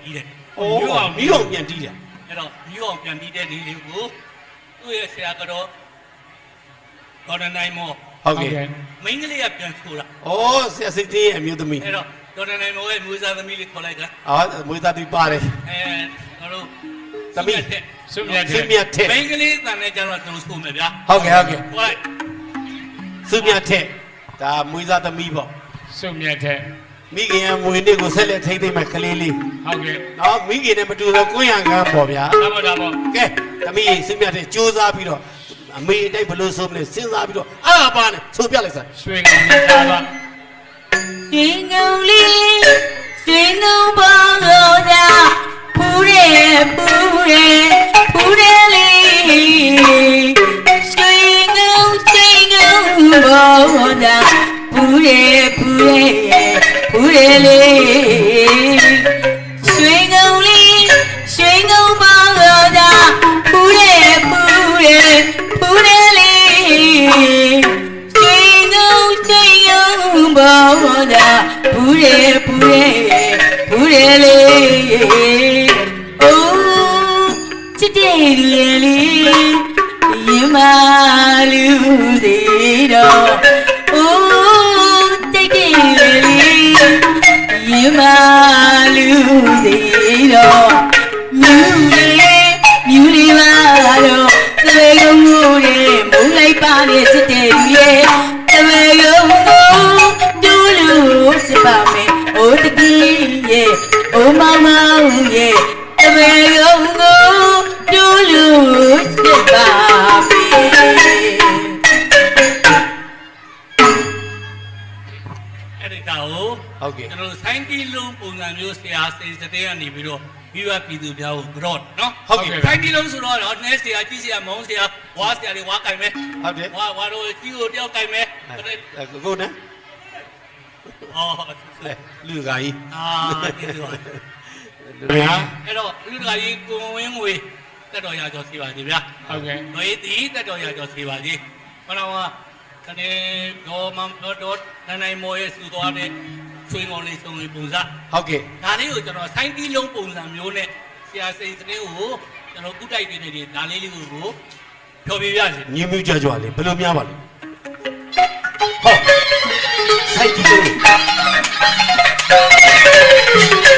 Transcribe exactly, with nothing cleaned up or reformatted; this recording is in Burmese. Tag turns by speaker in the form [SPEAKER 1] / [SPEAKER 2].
[SPEAKER 1] တီးတယ်
[SPEAKER 2] ။အိုးမီးအောင်ပြန်တီးတယ်
[SPEAKER 1] အဲ့တော့မီးအောင်ပြန်တီးတဲ့ဒီလေးကိုသူ့ရဲ့ဆရာကတော့ဒေါ်နနိုင်မော
[SPEAKER 2] ။ဟုတ်ကဲ့
[SPEAKER 1] မိန်းကလေးကပြန်ဆိုတာ
[SPEAKER 2] ။အော်ဆရာစိတ်သေးရဲ့အမျိုးသမီး
[SPEAKER 1] အဲ့တော့ဒေါ်နနိုင်မောရဲ့မူစားသမီးလေးခေါ်လိုက်တာ
[SPEAKER 2] ။အော်မွေးသားသူပါတယ်
[SPEAKER 1] အဲကျွန်တော်တို့
[SPEAKER 2] ။သမီး
[SPEAKER 1] စုမြတ်
[SPEAKER 2] စုမြတ်ထက်
[SPEAKER 1] မိန်းကလေးတန်တဲ့ကျတော့ကျွန်တော်ဆိုမယ်ဗျာ
[SPEAKER 2] ။ဟုတ်ကဲ့ဟုတ်ကဲ့
[SPEAKER 1] ဟိုလိုက်
[SPEAKER 2] ။စုမြတ်ထက်ဒါမွေးသားသမီးပေါ့
[SPEAKER 3] စုမြတ်ထက်
[SPEAKER 2] ။မိခင်ရဲ့မွေးနေ့ကိုဆက်လက်ထိမ့်သိမ့်မဲ့ကလေးလေး
[SPEAKER 3] ဟုတ်ကဲ့
[SPEAKER 2] ။နော်မိခင်နဲ့မတူတော့ကိုရံကန်းပေါ့ဗျာ
[SPEAKER 3] ဒါပေါ့ဒါပေါ့
[SPEAKER 2] ။ကဲသမီးစုမြတ်ထက်စူးစမ်းပြီးတော့အမေအတိုက်ဘလို့ဆိုမလဲစဉ်းစားပြီးတော့အားပါနဲ့ဆိုပြလိုက်စမ်း
[SPEAKER 3] ရွှေကောင်နဲ့သားပါ
[SPEAKER 4] ရှင်ကုန်းလေးရှင်ကုန်းပေါင်းလို့သာဖူးရဲဖူးရဲဖူးရဲလေးရှင်ကုန်းရှင်ကုန်းပေါင်းသာဖူးရဲဖူးရဲဖူးရဲလေးရှင်ကုန်းလေးရှင်ကုန်းပေါင်းလို့သာဖူးရဲဖူးရဲဖူးရဲလေးရှင်ကုန်းရှင်ကုန်းပေါင်းသာဖူးရဲဖူးရဲဖူးရဲလေးအိုးချစ်တဲ့လေးလေးရင်မလူသေးတော့အိုးတိတ်တဲ့လေးရင်မလူသေးတော့မြူလေးမြူလေးပါတော့သဘေကုန်းကိုတဲ့မုန်းလိုက်ပါနဲ့ချစ်တဲ့ရဲ့သဘေကုန်းကိုတူးလို့စစ်ပါမယ်အိုးတကြီးရဲ့အိုးမောင်မောင်ရဲ့သဘေကုန်းကိုတူးလို့စစ်ပါမယ်
[SPEAKER 1] အဲ့ဒီကောင်ကို
[SPEAKER 2] ဟုတ်ကဲ့
[SPEAKER 1] ကျွန်တော်ဆိုင်းတီလုံးပုံစံမျိုးဆရာစိန်စတဲ့ကနေပြီးတော့ပြီးွားပြည်သူများကိုကြော့နော်
[SPEAKER 2] ဟုတ်ကဲ့
[SPEAKER 1] ဆိုင်းတီလုံးဆိုတော့တော့နဲဆရာကြီးဆရာမောင်ဆရာဝါဆရာတွေဝါကင်မယ်
[SPEAKER 2] ဟုတ်တယ်
[SPEAKER 1] ဝါဝါတို့ကြီးကိုတယောက်ကင်မယ်
[SPEAKER 2] ကိုကိုနဲ့
[SPEAKER 1] အော်
[SPEAKER 2] လူကကြီး
[SPEAKER 1] အာဒီလို
[SPEAKER 2] ဗျာ
[SPEAKER 1] အဲ့တော့လူတကာကြီးကိုဝင်းငွေတက်တော်ရကျော်စီပါစီဗျာ
[SPEAKER 3] ဟုတ်ကဲ့
[SPEAKER 1] ငွေတီးတက်တော်ရကျော်စီပါစီခဏကတနေ့ဒေါ်မမ်ဒေါ်နိုင်နိုင်မော်ရဲ့စူသွားတဲ့ချွေးငေါ်လေးစုံလေးပုံစံ
[SPEAKER 2] ဟုတ်ကဲ့
[SPEAKER 1] ဒါလေးကိုကျွန်တော်ဆိုင်းတီးလုံးပုံစံမျိုးနဲ့ဆရာစိန်စတဲ့ကိုကျွန်တော်ကုတိုက်နေနေဒါလေးလေးကိုဖြောပြပြစီ
[SPEAKER 2] ညင်းမြူးကြွကြွလေးဘယ်လိုများပါလဲဟောစိုက်ကြည့်လို့